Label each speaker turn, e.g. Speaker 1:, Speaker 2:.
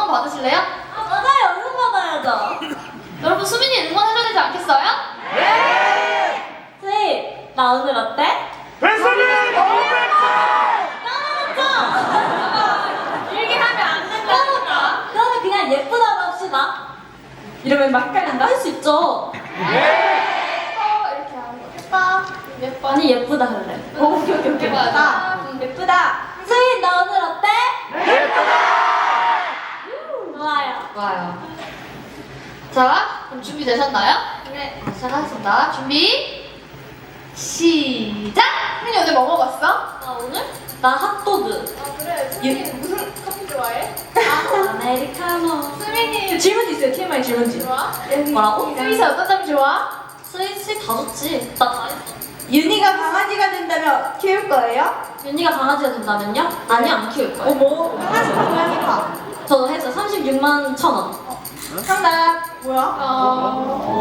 Speaker 1: 받으실래요?
Speaker 2: 아, 맞아요. 응원받아야죠.
Speaker 1: 여러분 수민이 응원해줘야 되지 않겠어요?
Speaker 2: 수희, 나 오늘 어때?
Speaker 3: 뱃속에 너무
Speaker 2: 까먹었죠?
Speaker 1: 일기 하면 안 된다니까.
Speaker 2: 그러면 그냥 예쁘다고 합시다.
Speaker 1: 이러면 막 헷갈린다?
Speaker 2: 할 수 있죠.
Speaker 1: 이렇게 하는 거. 예뻐.
Speaker 2: 아니, 예쁘다 할래.
Speaker 1: 오케이. 예쁘다.
Speaker 2: 예쁘다. 수희, 나 오늘 어때? 좋아요.
Speaker 1: 좋아요. 자, 그럼 준비되셨나요?
Speaker 2: 네.
Speaker 1: 시작하겠습니다. 준비. 시작! 수민이 오늘 뭐 먹었어?
Speaker 2: 나 오늘? 나 핫도그.
Speaker 1: 아 그래. 수민이 무슨 커피 좋아해?
Speaker 2: 아메리카노.
Speaker 1: 수민이
Speaker 4: 질문지 있어요. TMI 질문지.
Speaker 1: 좋아?
Speaker 2: 뭐라고?
Speaker 1: 스윗이 어떤 점이 좋아?
Speaker 2: 스윗이 다 좋지. 나 다 했어.
Speaker 4: 윤희가 강아지가 된다면 키울 거예요?
Speaker 2: 윤희가 강아지가 된다면요? 아니, 안 키울 거예요.
Speaker 4: 어머, 강아지 고양이가.
Speaker 2: 저 했어. 36만 1,000원.
Speaker 4: 정답. 뭐야?